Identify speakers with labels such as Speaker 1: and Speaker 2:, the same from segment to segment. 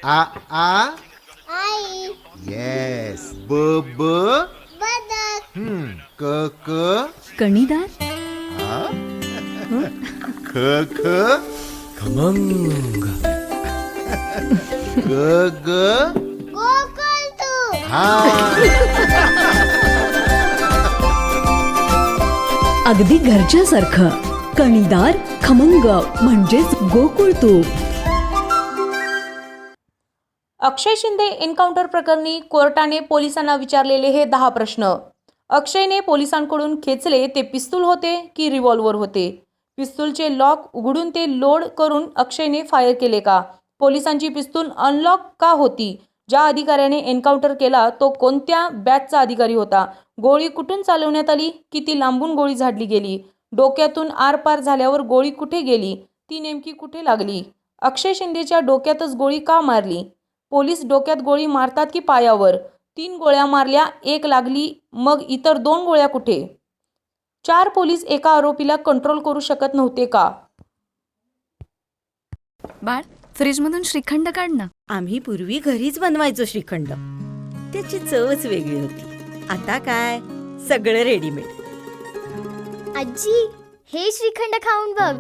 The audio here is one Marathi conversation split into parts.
Speaker 1: आ आ
Speaker 2: आई.
Speaker 1: येस. ब ब
Speaker 2: बदक.
Speaker 1: क क
Speaker 3: कणीदार.
Speaker 1: ख ख
Speaker 4: खमंग.
Speaker 1: ग ग
Speaker 2: गोकुळ तू.
Speaker 1: हा.
Speaker 3: अगदी घरच्यासारखं. कणीदार खमंग म्हणजेच गोकुळ तूप.
Speaker 5: अक्षय शिंदे एन्काउंटर प्रकरणी कोर्टाने पोलिसांना विचारलेले हे 10 प्रश्न. अक्षयने पोलिसांकडून खेचले ते पिस्तूल होते की रिव्हॉल्वर होते? पिस्तूलचे लॉक उघडून ते लोड करून अक्षयने फायर केले का? पोलिसांची पिस्तूल अनलॉक का होती? ज्या अधिकाऱ्याने एन्काउंटर केला तो कोणत्या बॅचचा अधिकारी होता? गोळी कुठून चालवण्यात आली? किती लांबून गोळी झाडली गेली? डोक्यातून आरपार झाल्यावर गोळी कुठे गेली? ती नेमकी कुठे लागली? अक्षय शिंदेच्या डोक्यातच गोळी का मारली? पोलीस डोक्यात गोळी मारतात की पायावर? 3 गोळ्या मारल्या, 1 लागली, मग इतर 2 गोळ्या कुठे? 4 पोलीस एका आरोपीला कंट्रोल करू शकत नव्हते का?
Speaker 6: बाळ, फ्रीजमधून श्रीखंड काढ ना.
Speaker 7: आम्ही पूर्वी घरीच बनवायचो श्रीखंड. त्याची चवच वेगळी होती. आता काय सगळं रेडीमेड.
Speaker 2: आजी, हे श्रीखंड खाऊन बघ.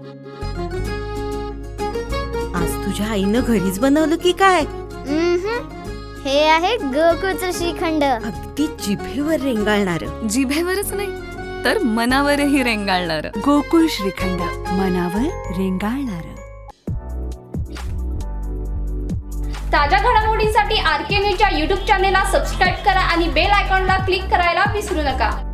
Speaker 7: आज तुझ्या आईनं घरीच बनवलं की काय?
Speaker 2: हे आहे गोकुळचं श्रीखंड.
Speaker 7: अगदी जिभेवर रेंगाळणार.
Speaker 6: जिभेवरच नाही तर मनावरही रेंगाळणार.
Speaker 3: गोकुळ श्रीखंड, मनावर रेंगाळणार.
Speaker 8: ताज्या घडामोडींसाठी RK न्यूजच्या YouTube चॅनेलला सबस्क्राईब करा आणि बेल आयकॉनला क्लिक करायला विसरू नका.